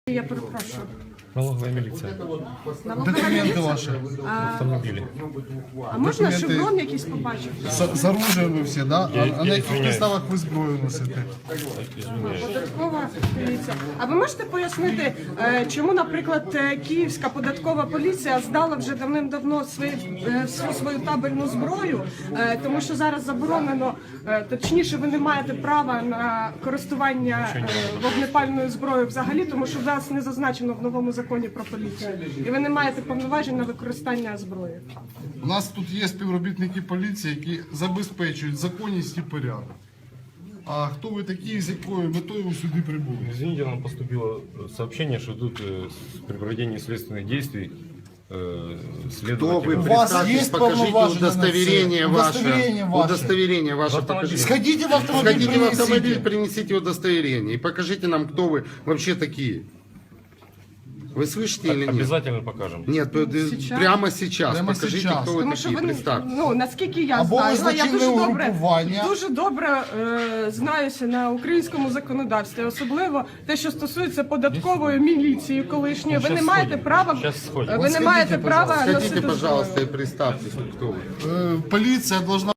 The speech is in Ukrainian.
Я перепрошую. Налоговая милиция. Документи ваші. Автомобили. А можна документи- шеврон якийсь побачити? З оружием ви всі, да? А на яких извиняюсь. підставах ви зброю носите? Податкова поліція. А ви можете пояснити, чому, наприклад, Київська податкова поліція здала вже давним-давно всю свою табельну зброю, тому що зараз заборонено, точніше, ви не маєте права на користування вогнепальною зброєю взагалі, тому що в вас не зазначено в новому законі про поліцію. І ви не маєте повноважень на використання зброї. У нас тут є співробітники поліції, які забезпечують законність і порядок. А хто ви такі, з якою метою ви сюди прибули? Извините, нам поступило сообщение, что тут при проведении следственных действий Кто вы? следователь... У вас Представьтесь, есть покажите полноважные удостоверение на ваше. це? Удостоверение ваше. Удостоверение ваше покажите. Сходите в автомобиль, Сходите в автомобиль, принесите. принесите удостоверение и покажите нам, кто вы вообще такие. Вы слышите или нет? Обязательно покажем. Нет, Сейчас? прямо сейчас. Прямо Покажите, сейчас. кто вы Тому що такие. ви, Представьте. ну, наскільки я Або ви знаю, я злочинне угрупування. дуже добре знаюся на українському законодавстві, особливо те, що стосується податкової міліції колишньої. Ви Щас не маєте сходимо. права, Щас сходимо. ви не От маєте сходіть, права пожалуйста. носити Сходите, зброю. пожалуйста, и представьтесь, кто вы. Поліція должна